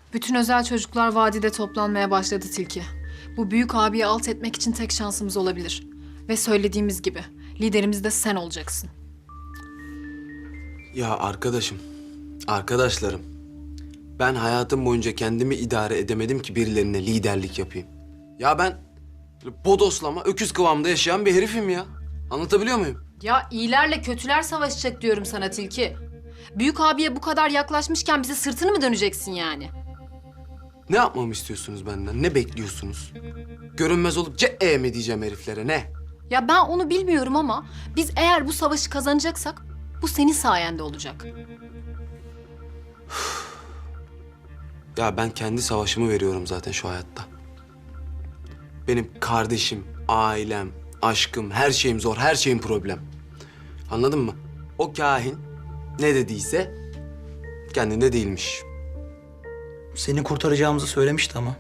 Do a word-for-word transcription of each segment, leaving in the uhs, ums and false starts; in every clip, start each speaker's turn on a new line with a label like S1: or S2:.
S1: Bütün özel çocuklar vadide toplanmaya başladı Tilki. Bu büyük abiyi alt etmek için tek şansımız olabilir. Ve söylediğimiz gibi liderimiz de sen olacaksın.
S2: Ya arkadaşım, arkadaşlarım. Ben hayatım boyunca kendimi idare edemedim ki birilerine liderlik yapayım. Ya ben böyle bodoslama, öküz kıvamda yaşayan bir herifim ya. Anlatabiliyor muyum?
S1: Ya iyilerle kötüler savaşacak diyorum sana Tilki. Büyük abiye bu kadar yaklaşmışken bize sırtını mı döneceksin yani?
S2: Ne yapmamı istiyorsunuz benden? Ne bekliyorsunuz? Görünmez olup ce mi diyeceğim heriflere, ne?
S1: Ya ben onu bilmiyorum ama biz eğer bu savaşı kazanacaksak bu senin sayende olacak.
S2: Ya ben kendi savaşımı veriyorum zaten şu hayatta. Benim kardeşim, ailem, aşkım, her şeyim zor, her şeyim problem. Anladın mı? O kahin ne dediyse kendinde değilmiş.
S3: Seni kurtaracağımızı söylemişti ama.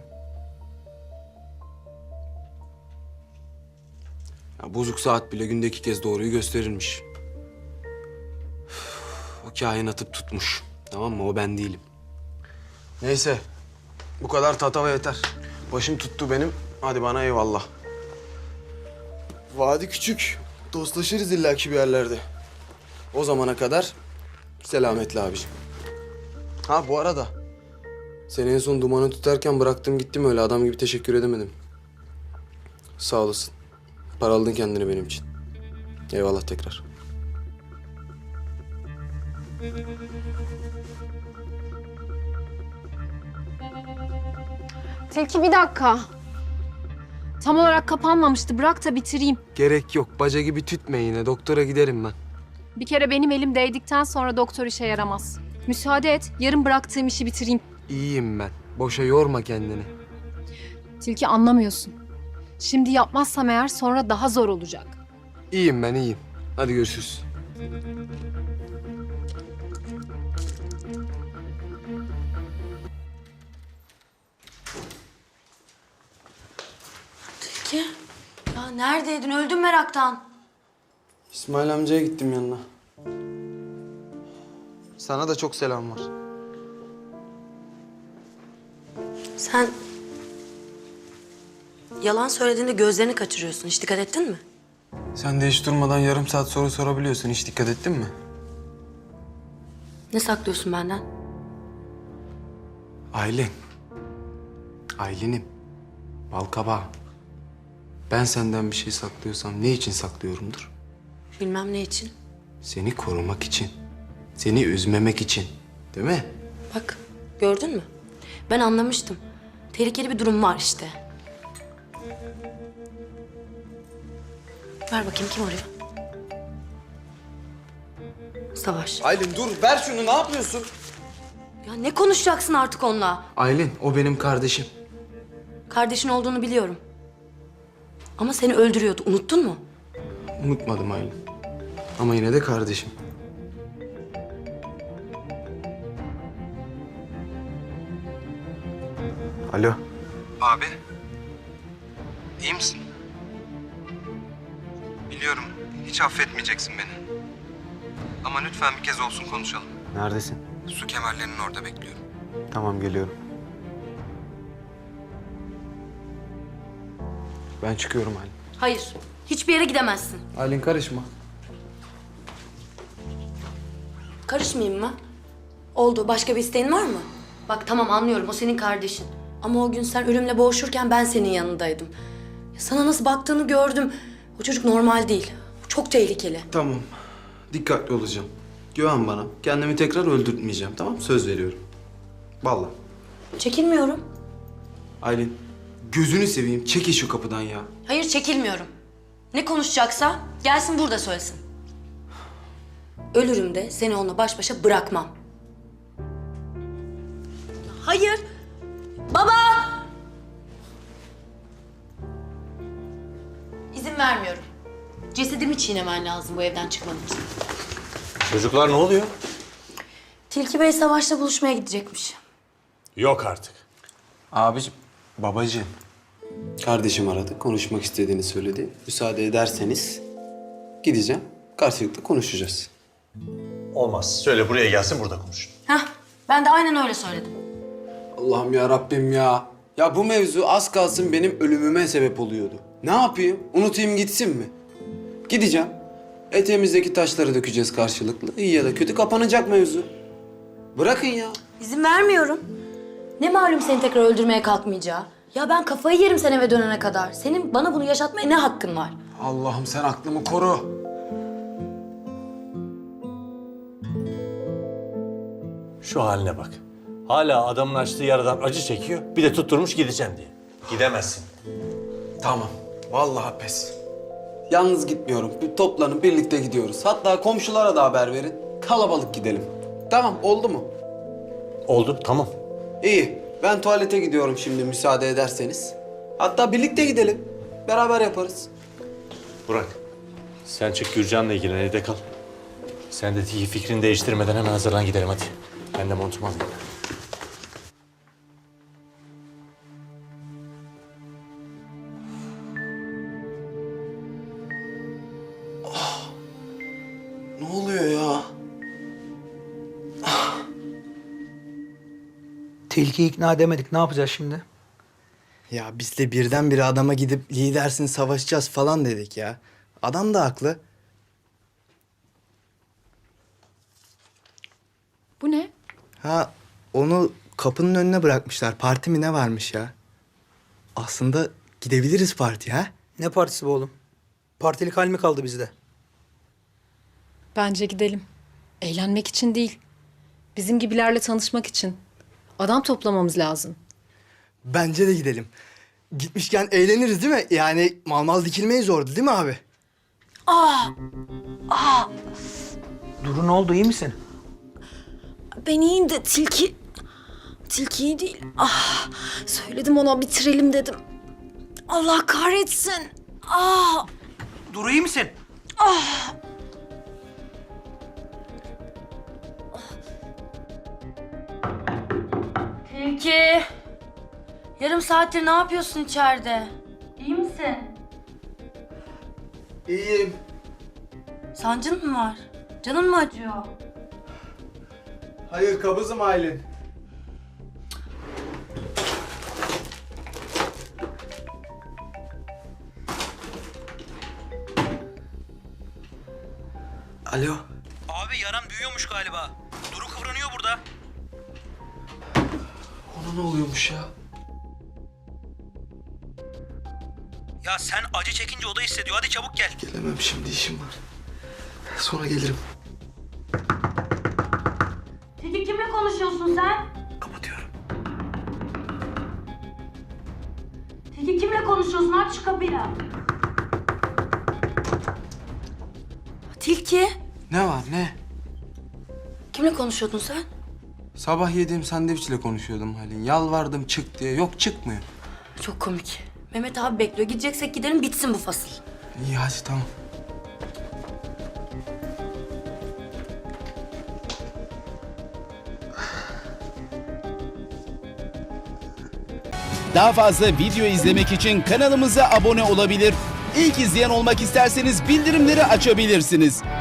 S2: Ya bozuk saat bile günde iki kez doğruyu gösterirmiş. Üf, o kahin atıp tutmuş. Tamam mı? O ben değilim. Neyse. Bu kadar tatava yeter. Başım tuttu benim. Hadi bana eyvallah. Vadi küçük. Dostlaşırız illaki bir yerlerde. O zamana kadar selametle abiciğim. Ha bu arada seni en son dumanı tutarken bıraktım gittim öyle adam gibi teşekkür edemedim. Sağ olasın. Paraladın kendini benim için. Eyvallah tekrar.
S1: Tilki bir dakika. Tam olarak kapanmamıştı. Bırak da bitireyim.
S2: Gerek yok. Baca gibi tütme yine. Doktora giderim ben.
S1: Bir kere benim elim değdikten sonra doktor işe yaramaz. Müsaade et, yarın bıraktığım işi bitireyim.
S2: İyiyim ben. Boşa yorma kendini.
S1: Tilki anlamıyorsun. Şimdi yapmazsam eğer sonra daha zor olacak.
S2: İyiyim ben, iyiyim. Hadi görüşürüz.
S4: Tilki, ya neredeydin? Öldüm meraktan.
S2: İsmail amcaya gittim yanına. Sana da çok selam var.
S4: Sen yalan söylediğinde gözlerini kaçırıyorsun. Hiç dikkat ettin mi?
S2: Sen de hiç durmadan yarım saat soru sorabiliyorsun. Hiç dikkat ettin mi?
S4: Ne saklıyorsun benden?
S2: Aylin. Aylin'im. Balkabağı. Ben senden bir şey saklıyorsam ne için saklıyorumdur?
S4: Bilmem ne için.
S2: Seni korumak için. Seni üzmemek için. Değil mi?
S4: Bak, gördün mü? Ben anlamıştım. Tehlikeli bir durum var işte. Ver bakayım, kim arıyor? Savaş.
S2: Aylin dur, ver şunu. Ne yapıyorsun?
S4: Ya ne konuşacaksın artık onunla?
S2: Aylin, o benim kardeşim.
S4: Kardeşin olduğunu biliyorum. Ama seni öldürüyordu. Unuttun mu?
S2: Unutmadım Aylin. Ama yine de kardeşim. Alo.
S5: Abi. İyi misin? Biliyorum hiç affetmeyeceksin beni. Ama lütfen bir kez olsun konuşalım.
S2: Neredesin?
S5: Su kemerlerinin orada bekliyorum.
S2: Tamam, geliyorum. Ben çıkıyorum Aylin.
S4: Hayır. Hiçbir yere gidemezsin.
S2: Aylin karışma.
S4: Karışmayayım mı? Oldu. Başka bir isteğin var mı? Bak tamam anlıyorum. O senin kardeşin. Ama o gün sen ölümle boğuşurken ben senin yanındaydım. Ya sana nasıl baktığını gördüm. O çocuk normal değil. Çok tehlikeli.
S2: Tamam. Dikkatli olacağım. Güven bana. Kendimi tekrar öldürtmeyeceğim, tamam mı? Söz veriyorum. Vallahi.
S4: Çekilmiyorum.
S2: Aylin, gözünü seveyim. Çekil şu kapıdan ya.
S4: Hayır çekilmiyorum. Ne konuşacaksa gelsin burada söylesin. Ölürüm de seni onunla baş başa bırakmam. Hayır. Baba! İzin vermiyorum. Cesedimi çiğnemen lazım bu evden çıkmam için.
S6: Çocuklar ne oluyor?
S4: Tilki Bey Savaş'la buluşmaya gidecekmiş.
S6: Yok artık.
S2: Abicim, babacığım. Kardeşim aradı. Konuşmak istediğini söyledi. Müsaade ederseniz gideceğim. Karşılıklı konuşacağız.
S6: Olmaz. Söyle buraya gelsin burada konuşun.
S4: Hah, ben de aynen öyle söyledim.
S2: Allah'ım ya Rabbim ya. Ya bu mevzu az kalsın benim ölümüme sebep oluyordu. Ne yapayım? Unutayım gitsin mi? Gideceğim. Eteğimizdeki taşları dökeceğiz karşılıklı. İyi ya da kötü kapanacak mevzu. Bırakın ya.
S4: İzin vermiyorum. Ne malum seni tekrar öldürmeye kalkmayacağı. Ya ben kafayı yerim sen eve dönene kadar. Senin bana bunu yaşatmaya ne hakkın var?
S2: Allah'ım sen aklımı koru.
S6: Şu haline bak. Hala adamın açtığı yaradan acı çekiyor. Bir de tutturmuş gideceğim diye. Gidemezsin.
S2: Tamam. Vallahi pes. Yalnız gitmiyorum. Bir toplanın birlikte gidiyoruz. Hatta komşulara da haber verin. Kalabalık gidelim. Tamam oldu mu?
S6: Oldu, tamam.
S2: İyi. Ben tuvalete gidiyorum şimdi müsaade ederseniz. Hatta birlikte gidelim. Beraber yaparız.
S6: Burak, sen çık Gürcan'la ilgilen, evde kal. Sen de Tilki fikrini değiştirmeden hemen hazırlan gidelim hadi. Ben de montumu alayım.
S2: Ne oluyor ya?
S3: Tilkiyi ikna edemedik. Ne yapacağız şimdi?
S7: Ya biz de birdenbire adama gidip lidersin savaşacağız falan dedik ya. Adam da haklı.
S1: Bu ne?
S7: Ha onu kapının önüne bırakmışlar. Parti mi ne varmış ya? Aslında gidebiliriz partiye ha?
S3: Ne partisi bu oğlum? Partilik hal mi kaldı bizde?
S1: Bence gidelim. Eğlenmek için değil. Bizim gibilerle tanışmak için. Adam toplamamız lazım.
S7: Bence de gidelim. Gitmişken eğleniriz değil mi? Yani mal mal dikilmeyiz orada değil mi abi?
S3: Duru ne oldu, iyi misin?
S1: Ben iyiyim de tilki... Tilki iyi değil. Ah, söyledim ona bitirelim dedim. Allah kahretsin. Ah,
S3: Duru iyi misin?
S4: Tilki. Yarım saattir ne yapıyorsun içeride? İyi misin?
S2: İyiyim.
S4: Sancın mı var? Canın mı acıyor?
S2: Hayır kabızım Aylin. Alo.
S3: Abi yaran büyüyormuş galiba. Duru kıvranıyor burada.
S2: Ona ne oluyormuş ya?
S3: Ya sen acı çekince o da hissediyor. Hadi çabuk gel.
S2: Gelemem şimdi işim var. Sonra gelirim.
S4: Tilki kimle konuşuyorsun sen?
S2: Kapatıyorum.
S4: Tilki kimle konuşuyorsun? Aç şu kapıyı. Tilki.
S2: Ne var ne?
S4: Kimle konuşuyordun sen?
S2: Sabah yediğim sandviçle konuşuyordum Halin. Yalvardım çık diye. Yok çıkmıyor.
S4: Çok komik. Mehmet abi bekliyor. Gideceksek gidelim bitsin bu fasıl.
S2: İyi hadi tamam.
S8: Daha fazla video izlemek için kanalımıza abone olabilir. İlk izleyen olmak isterseniz bildirimleri açabilirsiniz.